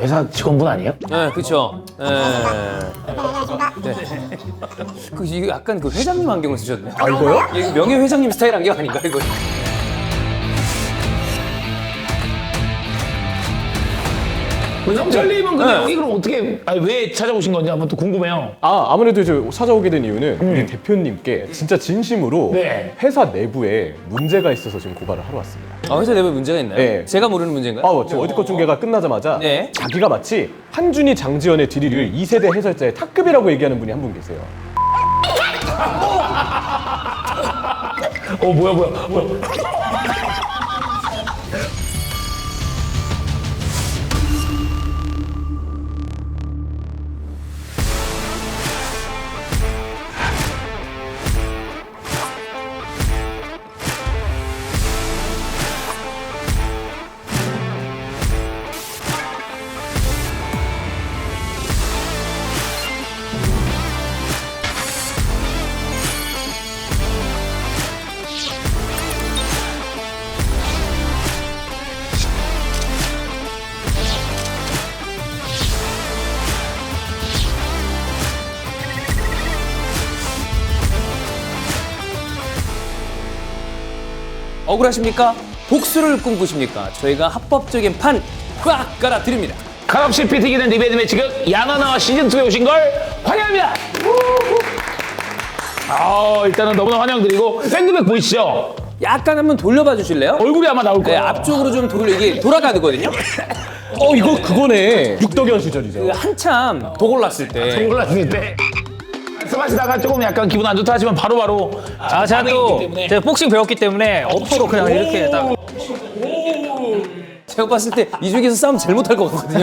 회사 직원분 아니에요? 네, 그렇죠. 네. 이거 약간 그 회장님 안경을 쓰셨네. 아, 이거요? 이거 명예 회장님 스타일 안경 아닌가 이거? 영철님은 근데 네. 여기 그럼 어떻게, 아니, 왜 찾아오신 건지 한번 또 궁금해요. 아무래도 이제 찾아오게 된 이유는 우리 대표님께 진짜 진심으로 네. 회사 내부에 문제가 있어서 지금 고발을 하러 왔습니다. 아, 회사 내부에 문제가 있나요? 네. 제가 모르는 문제인가요? 지금 어디컷 중계가 끝나자마자 네. 자기가 마치 한준이, 장지연의 디리를 2세대 해설자의 탑급이라고 얘기하는 분이 한 분 계세요. 뭐야. 억울하십니까? 복수를 꿈꾸십니까? 저희가 합법적인 판 꽉 깔아드립니다. 칼없이 피튀기는 리베드 매치극 야나나와 시즌2에 오신 걸 환영합니다. 일단은 너무나 환영드리고 샌드백 보이시죠? 약간 한번 돌려봐 주실래요? 얼굴이 아마 나올 네, 거예요. 앞쪽으로 좀 이게 돌아가거든요. 이거 그거네. 육덕현 시절이죠. 그 한참 도골랐을 때. 올랐을 때 말씀하시다가 조금 약간 기분 안 좋다 하시면 바로바로 제가 또 제가 복싱 배웠기 때문에 어퍼로 그냥 이렇게 딱 제가 봤을 때 이 중에서 싸움 제일 못할 것 같거든요.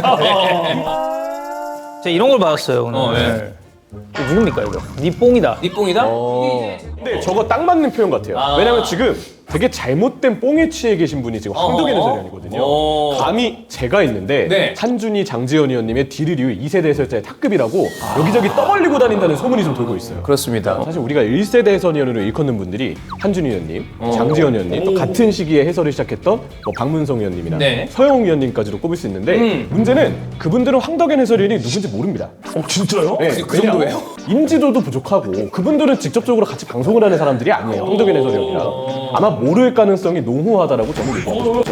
제가 이런 걸 받았어요 오늘. 이거 누굽니까 이거? 니 뽕이다. 니뽕이다? 근데 저거 딱 맞는 표현 같아요. 왜냐면 지금 되게 잘못된 뽕에 취해 계신 분이 지금 황덕현 해설위원이거든요. 감히 제가 있는데 네. 한준이, 장지연 의원님의 디르류 2세대 해설자의 탑급이라고 여기저기 떠벌리고 다닌다는 소문이 좀 돌고 있어요. 그렇습니다. 사실 우리가 1세대 해설위원으로 일컫는 분들이 한준희 의원님, 장지연 의원님, 또 같은 시기에 해설을 시작했던 뭐 박문성 의원님이나 네. 서영웅 의원님까지도 꼽을 수 있는데 문제는 그분들은 황덕현 해설위원이 누군지 모릅니다. 진짜요? 네, 그 정도예요? 인지도도 부족하고 그분들은 직접적으로 같이 방송을 하는 사람들이 아니에요. 황덕현 해설위원이랑 아마 모를 가능성이 농후하다라고 저는 얘기합니다.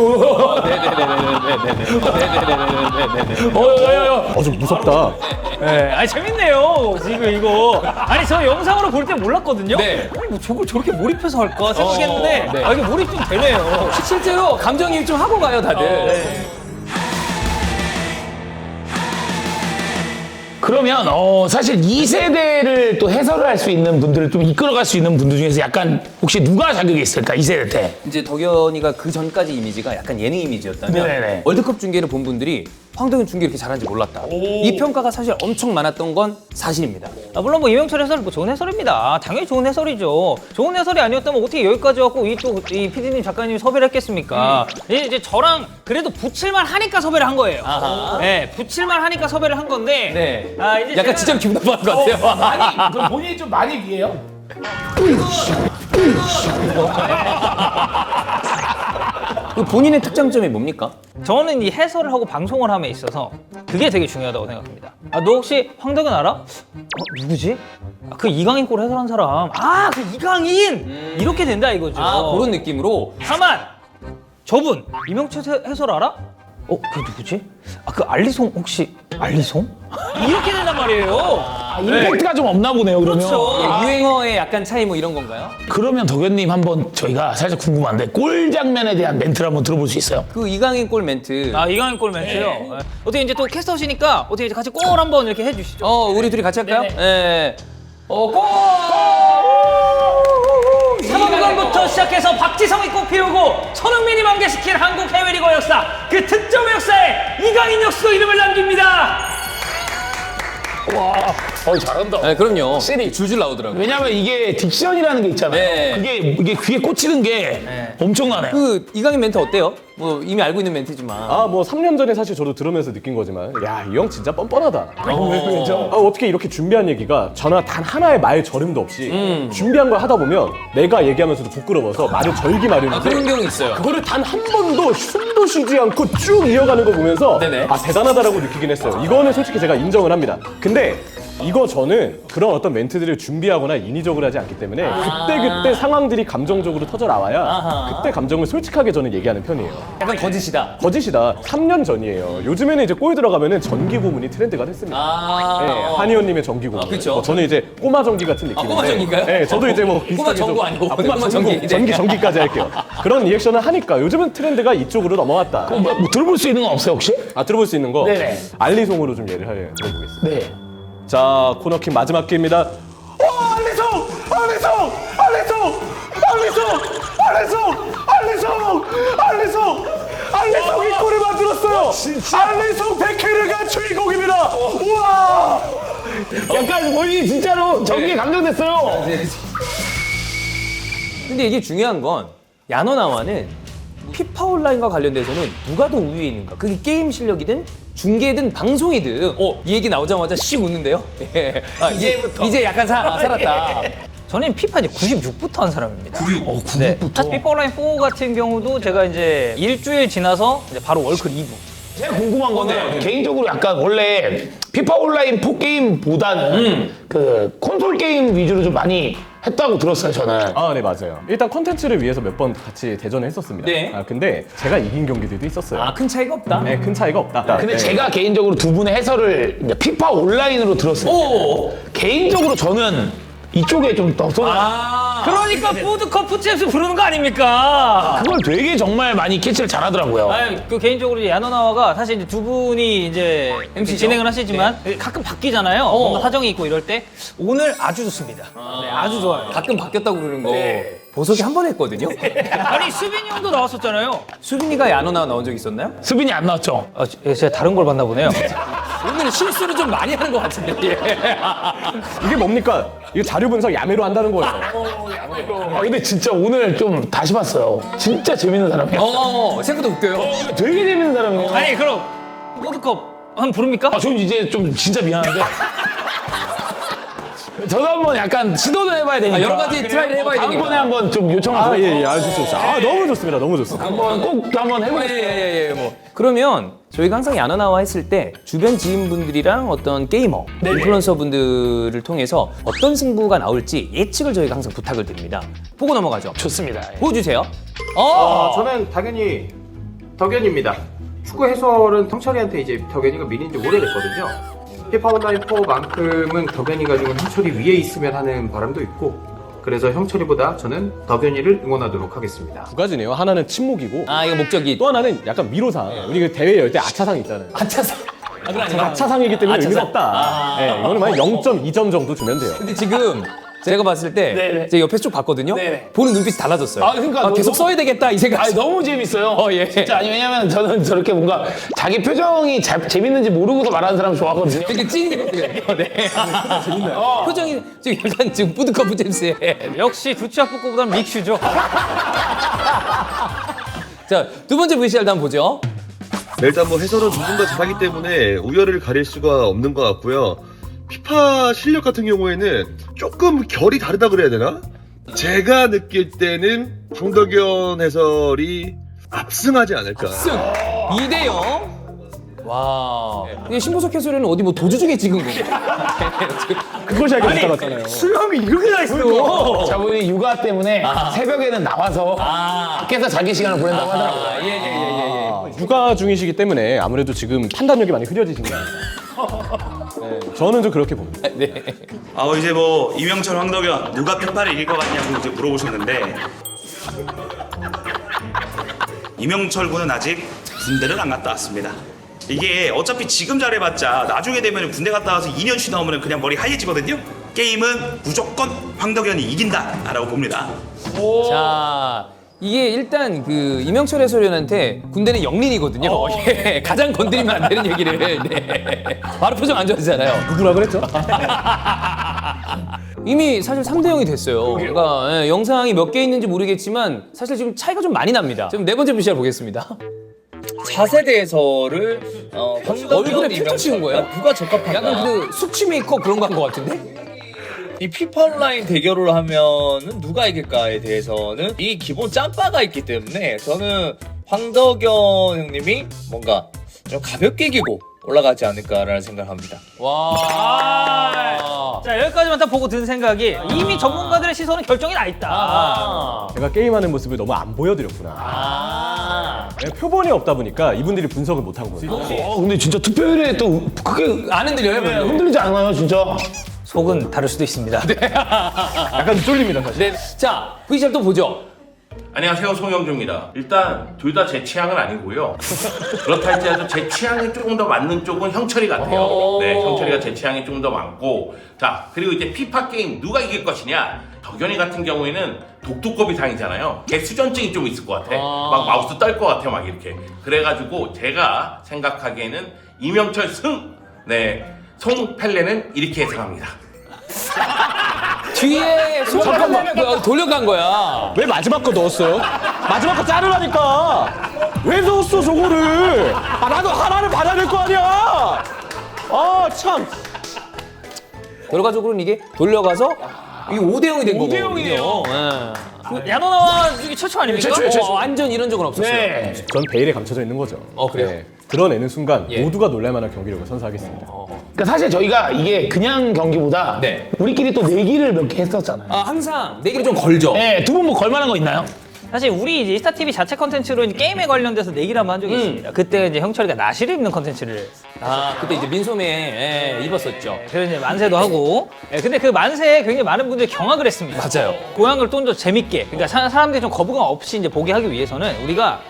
좀 무섭다. 네, 아니 재밌네요 지금 이거. 아니 저 영상으로 볼 때 몰랐거든요. 네. 아니 뭐 저걸 저렇게 몰입해서 할까 생각했는데 네. 이게 몰입 좀 되네요. 실제로 감정이입 좀 하고 가요, 다들. 그러면 사실 2세대를 또 해설을 할 수 있는 분들을 좀 이끌어갈 수 있는 분들 중에서 약간 혹시 누가 자격이 있을까 2세대 때? 이제 덕현이가 그 전까지 이미지가 약간 예능 이미지였다면 네네네. 월드컵 중계를 본 분들이 황덕현 중계 이렇게 잘하는지 몰랐다. 이 평가가 사실 엄청 많았던 건 사실입니다. 물론 뭐 이명철 해설은 뭐 좋은 해설입니다. 당연히 좋은 해설이죠. 좋은 해설이 아니었다면 어떻게 여기까지 왔고 이 PD님 작가님이 섭외를 했겠습니까? 이제 저랑 그래도 붙일만 하니까 섭외를 한 거예요. 아하. 네, 붙일만 하니까 섭외를 한 건데. 네. 이제 약간 제가- 진짜로 기분 나빠하는 것 같아요. 아니 그럼 본인이 좀 많이 위해요? 그 본인의 특장점이 뭡니까? 저는 이 해설을 하고 방송을 함에 있어서 그게 되게 중요하다고 생각합니다. 너 혹시 황덕현 알아? 누구지? 그 이강인 골 해설한 사람. 그 이강인! 이렇게 된다 이거죠. 그런 느낌으로. 다만 저분 이명철 해설 알아? 그게 누구지? 그 알리송 혹시 알리송? 이렇게 된단 말이에요. 임팩트가 좀 없나 보네요 그러면. 그렇죠. 유행어의 약간 차이 뭐 이런 건가요? 그러면 덕현님 한번 저희가 살짝 궁금한데 골 장면에 대한 멘트를 한번 들어볼 수 있어요? 그 이강인 골 멘트. 이강인 골 멘트요. 네. 어떻게 이제 또 캐스터시니까 어떻게 이제 같이 골 한번 이렇게 해주시죠. 우리 둘이 같이 할까요? 네네. 네. 골! 3월부터 시작해서 박지성이 꽃피우고 손흥민이 만개시킨 한국 해외리그 역사, 그 득점 역사에 이강인 역수도 이름을 남깁니다. 잘한다. 네, 그럼요. 확실히. 줄줄 나오더라고요. 왜냐면 이게 딕션이라는 게 있잖아요. 네. 이게 귀에 꽂히는 게 엄청나네요. 그 이강인 멘트 어때요? 뭐 이미 알고 있는 멘트지만. 아, 뭐 3년 전에 사실 저도 들으면서 느낀 거지만 야, 이 형 진짜 뻔뻔하다. 어떻게 이렇게 준비한 얘기가 전화 단 하나의 말 저름도 없이 준비한 걸 하다 보면 내가 얘기하면서도 부끄러워서 말을 절기 마련인데 그런 경우 있어요. 그거를 단 한 번도 숨도 쉬지 않고 쭉 이어가는 거 보면서 네네. 아, 대단하다라고 느끼긴 했어요. 이거는 솔직히 제가 인정을 합니다. 근데 이거 저는 그런 어떤 멘트들을 준비하거나 인위적으로 하지 않기 때문에 그때 상황들이 감정적으로 터져 나와야 그때 감정을 솔직하게 저는 얘기하는 편이에요. 약간 거짓이다. 거짓이다. 3년 전이에요. 요즘에는 이제 꼬에 들어가면은 전기 고문이 트렌드가 됐습니다. 네, 한의원님의 전기 고문. 그쵸. 뭐 저는 이제 꼬마 전기 같은 느낌인데. 꼬마 전기인가요? 네, 저도 이제 뭐 비슷하게 전구 좀- 아니고 꼬마 꼬마 전기. 전기. 전기까지 할게요. 그런 리액션을 하니까 요즘은 트렌드가 이쪽으로 넘어왔다. 뭐 들어볼 수 있는 건 없어요 혹시? 아, 들어볼 수 있는 거 네네. 알리송으로 좀 예를 들어보겠습니다. 네. 자, 코너킥 마지막 기회입니다. 알리송! 알리송! 알리송! 알리송! 알리송! 알리송! 알리송! 알리송이 골을 만들었어요! 알리송 베케르가 주인공입니다! 우와! 약간 본인이 진짜로 전기에 감정됐어요. 근데 이게 중요한 건 야노나와는 피파 온라인과 관련돼서는 누가 더 우위에 있는가? 그게 게임 실력이든 중계든 방송이든 이 얘기 나오자마자 씩 웃는데요. 예. 아, 이제 약간 살았다. 저는 피파 이제 96부터 한 사람입니다. 96부터? 네. 사실 피파 온라인 4 같은 경우도 제가 이제 일주일 지나서 이제 바로 월클 2부. 제가 궁금한 거는 개인적으로 약간 원래 피파 온라인 4 게임보다는 그 콘솔 게임 위주로 좀 많이 했다고 들었어요 저는. 아, 네, 맞아요. 일단 컨텐츠를 위해서 몇 번 같이 대전을 했었습니다. 네. 아, 근데 제가 이긴 경기들도 있었어요. 큰 차이가 없다. 네, 큰 차이가 없다. 근데 네. 제가 개인적으로 두 분의 해설을 이제 피파 온라인으로 들었을 때 개인적으로 저는 이쪽에 좀 더 그러니까 푸드커프 챔스 부르는 거 아닙니까? 그걸 되게 정말 많이 캐치를 잘하더라고요. 그 개인적으로 이제 야노나와가 사실 이제 두 분이 이제 MC 죠? 진행을 하시지만 가끔 바뀌잖아요. 뭔가 사정이 있고 이럴 때 오늘 아주 좋습니다. 네, 아주 좋아요. 가끔 바뀌었다고 그러는 거 보석이 한 번 했거든요. 아니 수빈이 형도 나왔었잖아요. 수빈이가 야노나와 나온 적 있었나요? 수빈이 안 나왔죠? 제가 다른 걸 봤나 보네요. 오늘 실수를 좀 많이 하는 것 같은데. 이게 뭡니까? 이거 자료 분석 야매로 한다는 거예요. 아 근데 진짜 오늘 좀 다시 봤어요. 진짜 재밌는 사람이에요. 생각보다 웃겨요. 되게 재밌는 사람이에요. 아니 그럼 푸드컵 한번 부릅니까? 아, 저는 이제 좀 진짜 미안한데. 저도 한번 약간 시도도 해봐야 되니까. 여러 가지 트라이를 해봐야 되니까. 다음번에 한번 좀 요청하고. 아, 예, 예, 아주 좋습니다. 아, 너무 좋습니다. 너무 좋습니다. 한번 꼭 한번 해보겠습니다. 예, 뭐. 그러면 저희가 항상 야노나와 했을 때 주변 지인분들이랑 어떤 게이머, 인플루언서 분들을 통해서 어떤 승부가 나올지 예측을 저희가 항상 부탁을 드립니다. 보고 넘어가죠. 좋습니다. 보여주세요. 저는 당연히 덕현입니다. 축구 해설은 형철이한테 이제 덕현이가 밀린 지 오래됐거든요. 피파 온라인 4만큼은 덕현이가 지금 형철이 위에 있으면 하는 바람도 있고, 그래서 형철이보다 저는 덕현이를 응원하도록 하겠습니다. 두 가지네요. 하나는 침묵이고 이거 목적이 또 하나는 약간 위로상. 우리 그 대회 열 때 아차상 있잖아요. 아차상. 아차상이기 때문에 의미가 아차상. 없다. 네, 이거는 만약 0.2점 정도 주면 돼요. 근데 지금 제가 봤을 때 네네. 제가 옆에서 쭉 봤거든요. 네네. 보는 눈빛이 달라졌어요. 그러니까 계속 써야 되겠다 이 생각. 아 너무 재밌어요. 예. 진짜 아니 왜냐면 저는 저렇게 뭔가 자기 표정이 재밌는지 모르고서 말하는 사람 좋아하거든요. 되게 찐이거든요. 네. 재밌나요? 표정이 지금 약간 지금 푸드커프 잼스에. 역시 두치아프코보다는 믹슈죠. 자, 두 번째 VCR도 한번 보죠. 네, 일단 뭐 해설은 두 분 다 잘하기 때문에 우열을 가릴 수가 없는 것 같고요. 피파 실력 같은 경우에는 조금 결이 다르다 그래야 되나? 제가 느낄 때는 황덕현 해설이 압승하지 않을까. 2대0. 와. 이게 신보석 해설에는 어디 뭐 도주 중에 찍은 거고. 그것이 알게 못 알았잖아요. 수염이 이렇게 나 있어. 저분이 육아 때문에 새벽에는 나와서 밖에서 자기 시간을 보낸다고 하더라고요. 예. 육아 중이시기 때문에 아무래도 지금 판단력이 많이 흐려지신 것 같아요. 네, 저는 좀 그렇게 봅니다. 이제 뭐 이명철, 황덕현 누가 피파를 이길 것 같냐고 이제 물어보셨는데 이명철 군은 아직 군대를 안 갔다 왔습니다. 이게 어차피 지금 잘해봤자 나중에 되면 군대 갔다 와서 2년 쉬다 오면 그냥 머리 하얘지거든요. 게임은 무조건 황덕현이 이긴다라고 봅니다. 자, 이게 일단 그 이명철 해설위원한테 군대는 영린이거든요. 예, 가장 건드리면 안 되는 얘기를. 네. 바로 표정 안 좋아지잖아요. 누구라 그랬죠? 이미 사실 3대0이 됐어요. 그러니까 예, 영상이 몇 개 있는지 모르겠지만 사실 지금 차이가 좀 많이 납니다. 지금 네 번째 VCR 보겠습니다. 4세대에서를 얼굴에 필터 씌운 거예요? 누가 적합한가? 약간 그 수치 메이크업 그런 거 한 거 같은데? 이 피파 온라인 대결을 하면은 누가 이길까에 대해서는 이 기본 짬바가 있기 때문에 저는 황덕현 형님이 뭔가 좀 가볍게 이기고 올라가지 않을까라는 생각을 합니다. 와. 자, 여기까지만 딱 보고 든 생각이 이미 전문가들의 시선은 결정이 나 있다. 제가 게임하는 모습을 너무 안 보여드렸구나. 네, 표본이 없다 보니까 이분들이 분석을 못 한 거예요. 근데 진짜 투표율에 또 크게 안 흔들려요, 별로? 흔들리지 않아요, 진짜. 속은 다를 수도 있습니다. 약간 쫄립니다, 사실. 네. 자, VCR 또 보죠. 안녕하세요, 송영주입니다. 일단 둘 다 제 취향은 아니고요. 그렇다 할지라도 제 취향에 조금 더 맞는 쪽은 형철이 같아요. 네, 형철이가 제 취향이 좀 더 많고. 자, 그리고 이제 피파 게임 누가 이길 것이냐? 덕현이 같은 경우에는 독두꺼비 상이잖아요. 걔 수전증이 좀 있을 것 같아. 막 마우스 떨 것 같아, 막 이렇게. 그래가지고 제가 생각하기에는 이명철 승. 네, 송펠레는 이렇게 예상합니다. 뒤에 잠깐만 돌려간 거야. 왜 마지막 거 넣었어요? 마지막 거 자르라니까! 왜 넣었어, 저거를! 아, 나도 하나를 받아야 될 거 아니야! 아, 참! 결과적으로는 이게 돌려가서 이게 5대0이 된 거거든요. 5대0이에요. 야노나와 중에 최초 아닙니까? 최초. 완전 이런 적은 없었어요. 네. 전 베일에 감춰져 있는 거죠. 그래요? 드러내는 순간 예. 모두가 놀랄만한 경기력을 선사하겠습니다. 그러니까 사실 저희가 이게 그냥 경기보다 네. 우리끼리 또 내기를 몇 개 했었잖아요. 항상 내기를 좀 걸죠. 네, 두 분 뭐 걸만한 거 있나요? 사실 우리 이제 이스타TV 자체 컨텐츠로 이제 게임에 관련돼서 내기를 한번 한 적이 있습니다. 그때 이제 형철이가 나시를 입는 컨텐츠를 그때 이제 민소매 입었었죠. 그래서 이제 만세도 하고. 근데 그 만세에 굉장히 많은 분들이 경악을 했습니다. 맞아요. 고양을 좀 더 재밌게. 그러니까 사람들이 좀 거부감 없이 이제 보게 하기 위해서는 우리가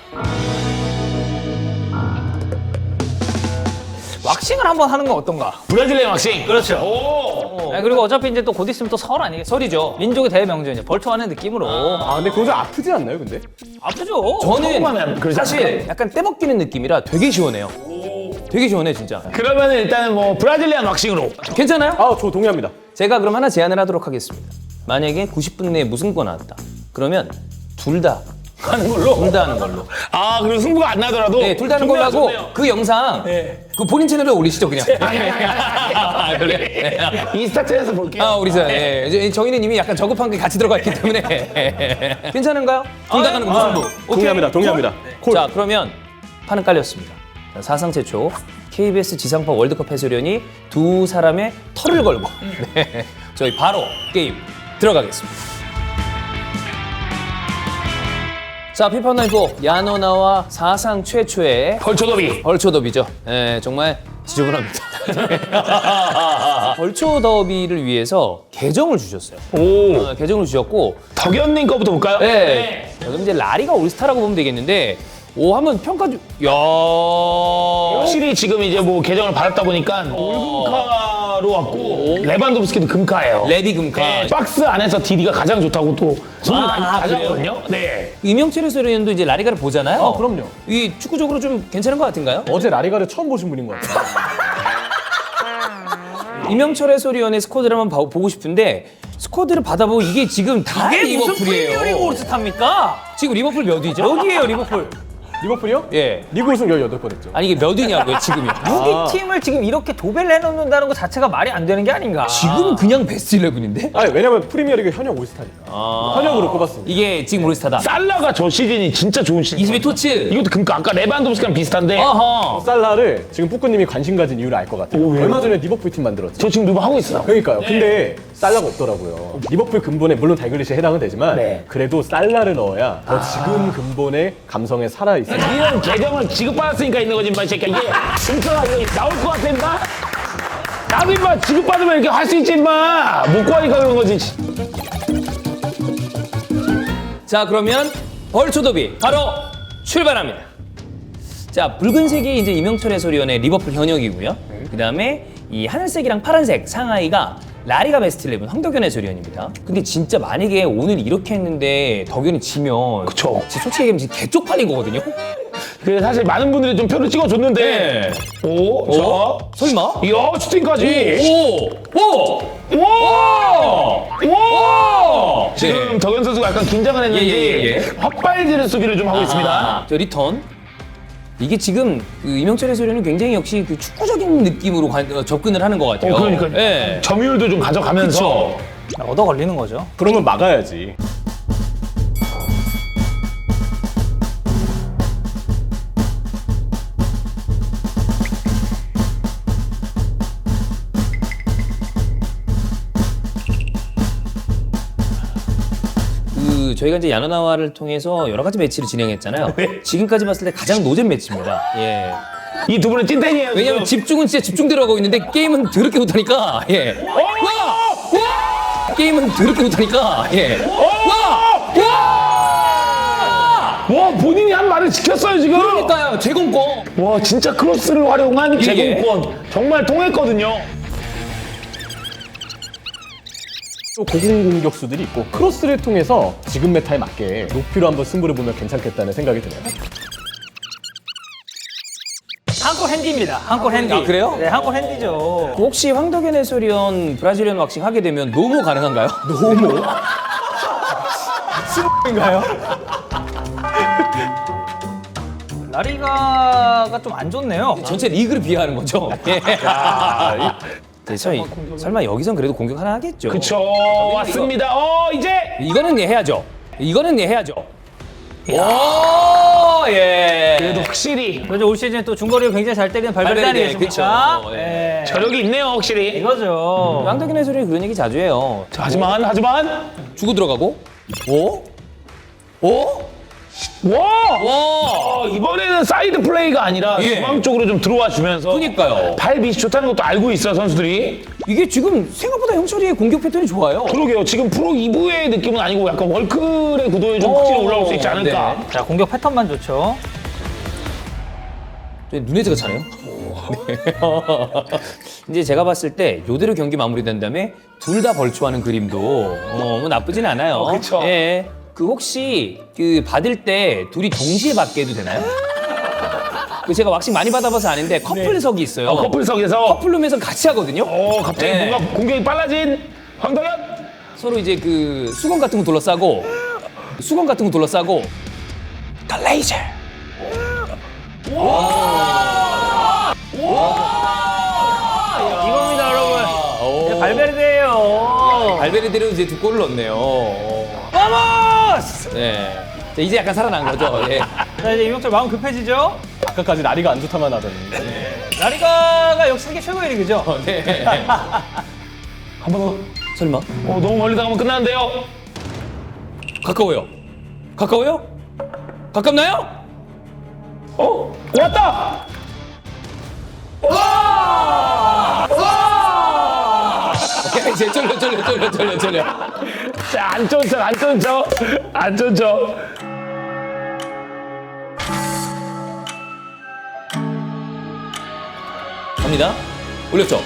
왁싱을 한번 하는 건 어떤가? 브라질리언 왁싱. 그렇죠. 오. 그리고 어차피 이제 또 곧 있으면 또 설 아니겠어요? 설이죠. 민족의 대명절 벌초하는 느낌으로. 근데 그거 좀 아프지 않나요, 근데? 아프죠? 저는 처음하면 그러지 사실 약간 떼먹기는 느낌이라 되게 시원해요. 되게 시원해 진짜. 그러면 일단은 뭐 브라질리언 왁싱으로. 괜찮아요? 저 동의합니다. 제가 그럼 하나 제안을 하도록 하겠습니다. 만약에 90분 내에 무승부가 나왔다. 그러면 둘 다 하는 걸로? 둘 다 하는 걸로. 그리고 승부가 안 나더라도. 네, 둘 다 하는 걸로 하고 그 영상 그 본인 채널에 올리시죠 그냥. 그래. 인스타 채널에서 볼게요. 우리 저희는 이미 약간 저급한 게 같이 들어가 있기 때문에 괜찮은가요? 둘 다 가는 거 무승부. 동의합니다, 동의합니다. 콜. 자, 그러면 판은 깔렸습니다. 자, 사상 최초 KBS 지상파 월드컵 해설위원이 두 사람의 털을 걸고 네, 저희 바로 게임 들어가겠습니다. 자, 피파 온라인 4 야노나와 사상 최초의 벌초더비. 벌초 더비죠. 네, 정말 지저분합니다. 벌초 더비를 위해서 계정을 주셨어요. 오. 계정을 주셨고 덕현님 거부터 볼까요? 네. 자, 그럼 이제 라리가 올스타라고 보면 되겠는데 한번 평가 좀. 야. 확실히 지금 이제 뭐 계정을 받았다 보니까 올금카로 왔고 레반도프스키도 금카예요. 레비 금카. 네, 박스 안에서 DD가 가장 좋다고 또 소문이 많이 그래요? 가져거든요. 네. 이명철 해설위원도 이제 라리가를 보잖아요. 그럼요. 이 축구적으로 좀 괜찮은 것 같은가요? 어제 라리가를 처음 보신 분인 것 같아요. 이명철 해설위원의 스쿼드를 한번 보고 싶은데 스쿼드를 받아보고 이게 지금 다 이게 무슨 리버풀이에요. 프리미어리그 올스타입니까? 지금 리버풀 몇 위죠? 어디예요 리버풀? 리버풀이요? 예. 리그 우승 18번 했죠. 아니 이게 몇 위냐고요 지금이요? 6위 팀을 지금 이렇게 도배를 해놓는다는 것 자체가 말이 안 되는 게 아닌가? 지금 그냥 베스트 11인데? 왜냐면 프리미어리그 현역 올스타니까. 현역으로 꼽았습니다. 이게 지금 올스타다. 살라가 저 시즌이 진짜 좋은 시즌. 이스미 토츠. 이것도 금카. 아까 레반도프스키랑 비슷한데. 어허. 살라를 지금 뿌꾸님이 관심 가진 이유를 알 것 같아요. 얼마 전에 리버풀 팀 만들었죠. 저 지금 누구 하고 있어요. 그러니까요. 근데 살라가 없더라고요. 리버풀 근본에 물론 달글리시에 해당은 되지만 네. 그래도 살라를 넣어야 더 지금 근본의 감성에 살아있어요. 이런 계정을 지급받았으니까 있는 거지, 인마, 이 새끼야. 이게 금카가 이거 나올 것 같아, 인마? 나도 인마 지급받으면 이렇게 할 수 있지, 인마. 못 구하니까 그런 거지. 자, 그러면 벌초더비 바로 출발합니다. 자, 붉은색이 이제 이명철 해설위원의 리버풀 현역이고요. 그다음에 이 하늘색이랑 파란색 상하이가 라리가 베스트 11 황덕현 해설위원입니다. 근데 진짜 만약에 오늘 이렇게 했는데 덕현이 지면 그쵸. 진짜 솔직히 얘기하면 진짜 개쪽팔린 거거든요. 그래서 사실 많은 분들이 좀 표를 찍어줬는데. 오, 자. 설마? 이야, 슈팅까지. 오! 오! 지금 네. 덕현 선수가 약간 긴장을 했는지 예. 헛발질을 수비를 좀 하고 있습니다. 저 리턴. 이게 지금 그 이명철 해설위원은 굉장히 역시 그 축구적인 느낌으로 접근을 하는 것 같아요. 그러니까 예. 점유율도 좀 가져가면서 얻어 걸리는 거죠. 그러면 막아야지. 그 저희가 이제 야노나와를 통해서 여러 가지 매치를 진행했잖아요. 지금까지 봤을 때 가장 노잼 매치입니다. 예. 이 두 분은 찐텐이에요. 왜냐면 집중은 진짜 집중대로 하고 있는데 게임은 더럽게 못하니까. 예. 와! 게임은 더럽게 못하니까. 예. 와 본인이 한 말을 지켰어요 지금. 그러니까요. 제공권. 와 진짜 크로스를 활용한 예. 제공권 정말 통했거든요. 또 고공 공격수들이 있고 크로스를 통해서 지금 메타에 맞게 높이로 한번 승부를 보면 괜찮겠다는 생각이 드네요. 한골 핸디입니다. 한골 핸디. 아, 그래요? 네, 한골 핸디죠. 혹시 황덕현 해설위원 브라질리언 왁싱 하게 되면 노모 가능한가요? 노모? 인가요? 라리가가 좀 안 좋네요. 전체 리그를 비하하는 거죠. 예. 그래서 설마 여기선 그래도 공격 하나 하겠죠. 그쵸 왔습니다. 이제 이거는 예 해야죠. 이거는 예 해야죠. 오, 예. 그래도 확실히 그래도 올 시즌 또 중거리를 굉장히 잘 때리는 발베르데 발베르데, 아니겠습니까? 그쵸. 네. 저력이 있네요 확실히. 이거죠. 황덕현 해설이 그런 얘기 자주 해요. 자, 하지만 주고 들어가고. 오? 오? 와 이번에는 사이드 플레이가 아니라 예. 중앙 쪽으로 좀 들어와 주면서 그러니까요. 발 밑이 좋다는 것도 알고 있어 선수들이. 이게 지금 생각보다 형철이의 공격 패턴이 좋아요. 그러게요. 지금 프로 2부의 느낌은 아니고 약간 월클의 구도에 좀 확실히 올라올 수 있지 않을까. 네. 자, 공격 패턴만 좋죠. 눈에즈가 차네요. 네. 이제 제가 봤을 때 요대로 경기 마무리된 다음에 둘 다 벌초하는 그림도 뭐 나쁘진 않아요. 그쵸. 예. 그 혹시 그 받을 때 둘이 동시에 받게 해도 되나요? 그 제가 왁싱 많이 받아봐서 아는데 커플석이 있어요. 커플석에서 커플룸에서 같이 하거든요. 갑자기 네. 뭔가 공격이 빨라진 황덕현. 서로 이제 그 수건 같은 거 둘러싸고 갈레이저. 이겁니다, 여러분. 네, 발베르데예요. 발베르데로 이제 두 골을 넣네요. 바모스! 네. 자, 이제 약간 살아난 거죠. 예. 자, 이제 이명철 마음 급해지죠? 아까까지 라리가 안 좋다만 하더니. 라리가가 역시 세계 최고의 리그죠? 네. 한 번 더. 설마? 너무 멀리 나가면 끝나는데요. 가까워요. 가까워요? 가깝나요? 왔다. 야, 이제 쫄려. 자, 안 쫀죠. 갑니다. 올렸죠?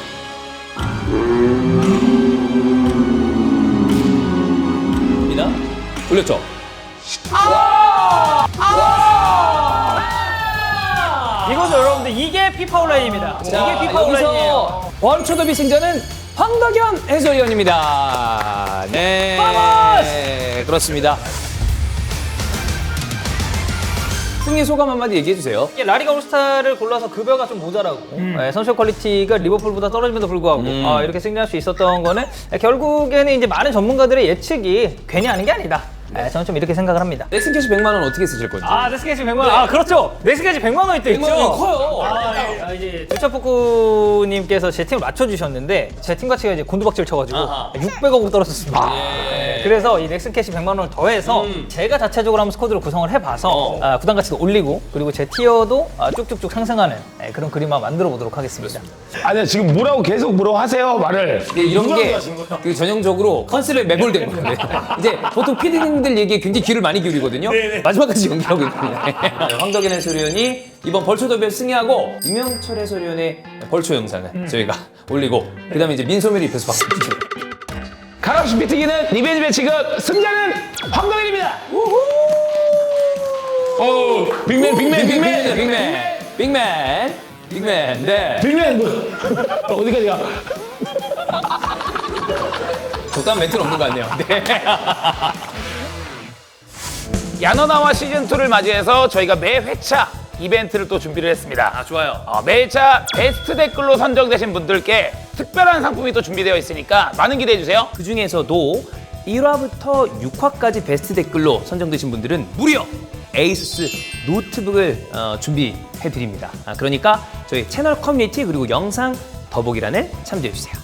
갑니다. 올렸죠? 이거죠, 여러분들. 이게 피파 온라인입니다. 이게 피파 온라인이에요. 여기서 원초더비 승자는 황덕현 해설위원입니다. 네. 그렇습니다. 승리 소감 한마디 얘기해 주세요. 이게 라리가 올스타를 골라서 급여가 좀 모자라고 선수 퀄리티가 리버풀보다 떨어짐에도 불구하고 이렇게 승리할 수 있었던 거는 결국에는 이제 많은 전문가들의 예측이 괜히 하는 게 아니다. 저는 좀 이렇게 생각을 합니다. 넥슨캐시 100만 원 어떻게 쓰실 건지. 넥스캐치 100만 원. 아, 그렇죠. 넥스캐치 100만 원이 또 100만 있죠. 원 커요. 이제 두차포크님께서 제 팀을 맞춰주셨는데 제 팀 가치가 이제 곤두박질 쳐가지고 아하. 600억으로 떨어졌습니다. 예. 그래서 이 넥슨캐시 100만 원을 더해서 제가 자체적으로 한번 스쿼드를 구성을 해봐서 구단 가치도 올리고 그리고 제 티어도 쭉쭉쭉 상승하는 그런 그림만 만들어 보도록 하겠습니다. 아니 지금 뭐라고 계속 하세요 말을. 네, 이런 게 그 전형적으로 컨셉에 매몰된 거예요. 이제 보통 PD님들 얘기에 굉장히 귀를 많이 기울이거든요. 마지막까지 연기하고 있거든요. 황덕현 해설위원이 이번 벌초 더비에 승리하고 이명철 해설위원의 벌초 영상을 저희가 올리고 그다음에 이제 민소매를 입혀서 박수 치죠. 가락시 비트기는 리벤지 매치가 승자는 황덕현입니다. 빅맨. 네. 빅맨 어디까지 가? 적당한 멘트는 없는 것 같네요. 네. 야노나와 시즌2를 맞이해서 저희가 매 회차 이벤트를 또 준비를 했습니다. 아, 좋아요. 매 회차 베스트 댓글로 선정되신 분들께 특별한 상품이 또 준비되어 있으니까 많은 기대해주세요. 그 중에서도 1화부터 6화까지 베스트 댓글로 선정되신 분들은 무려 에이수스 노트북을 준비해드립니다. 그러니까 저희 채널 커뮤니티 그리고 영상 더보기란을 참조해주세요.